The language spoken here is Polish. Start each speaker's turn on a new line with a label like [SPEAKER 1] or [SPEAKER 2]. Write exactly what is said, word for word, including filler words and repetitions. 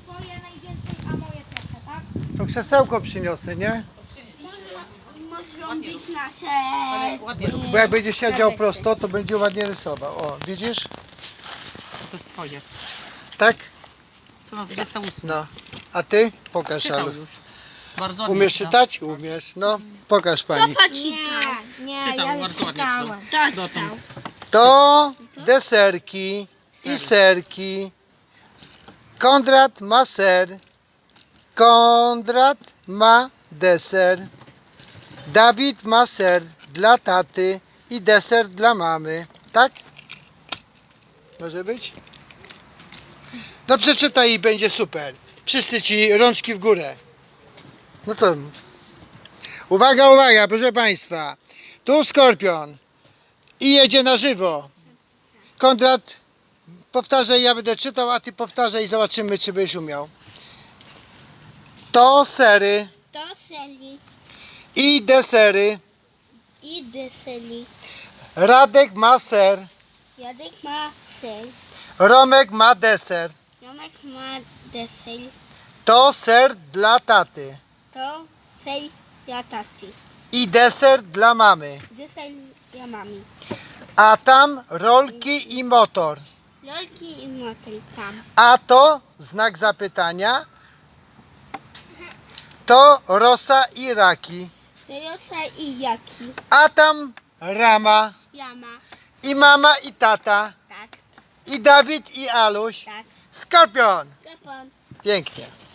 [SPEAKER 1] twoje najwięcej, a moje trochę, tak?
[SPEAKER 2] To krzesełko przyniosę, nie?
[SPEAKER 1] Muszą być nasze...
[SPEAKER 3] Ale ładnie robisz.
[SPEAKER 2] Bo jak będzie siedział prosto, to będzie ładnie rysował. O, widzisz?
[SPEAKER 3] To jest twoje.
[SPEAKER 2] Tak?
[SPEAKER 3] Strona dwudziesta ósma.
[SPEAKER 2] No. A ty? Pokaż,
[SPEAKER 3] Czytał
[SPEAKER 2] Alu.
[SPEAKER 3] już. Bardzo ładnie
[SPEAKER 2] Umiesz
[SPEAKER 3] czyta.
[SPEAKER 2] czytać? Umiesz. No, pokaż pani.
[SPEAKER 1] Nie, nie,
[SPEAKER 3] Czytał,
[SPEAKER 1] ja już
[SPEAKER 3] bardzo ładnie
[SPEAKER 1] czytałem.
[SPEAKER 3] czytał.
[SPEAKER 1] Tak,
[SPEAKER 3] Dotąd.
[SPEAKER 2] To deserki i serki. Konrad ma ser. Konrad ma deser. Dawid ma ser dla taty i deser dla mamy. Tak? Może być? No przeczytaj i będzie super. Wszyscy ci rączki w górę. No co? Uwaga, uwaga, proszę Państwa. Tu Skorpion. I jedzie na żywo. Konrad, powtarzaj, ja będę czytał, a ty powtarzaj i zobaczymy, czy byś umiał. To sery
[SPEAKER 1] To seli
[SPEAKER 2] i desery.
[SPEAKER 1] i deseli.
[SPEAKER 2] Radek ma ser.
[SPEAKER 1] Jadek ma sel.
[SPEAKER 2] Romek ma deser.
[SPEAKER 1] Jomek ma desel.
[SPEAKER 2] To ser dla taty.
[SPEAKER 1] To sel ja taty.
[SPEAKER 2] I deser dla mamy.
[SPEAKER 1] Desel ja mami.
[SPEAKER 2] A tam rolki i motor.
[SPEAKER 1] Lolki i motyl tam.
[SPEAKER 2] A to znak zapytania. To rosa i raki.
[SPEAKER 1] Tejosa i jaki.
[SPEAKER 2] A tam rama.
[SPEAKER 1] Jama.
[SPEAKER 2] I mama i tata.
[SPEAKER 1] Tak,
[SPEAKER 2] I Dawid i Aluś.
[SPEAKER 1] tak.
[SPEAKER 2] Skorpion.
[SPEAKER 1] Kapon.
[SPEAKER 2] Pięknie.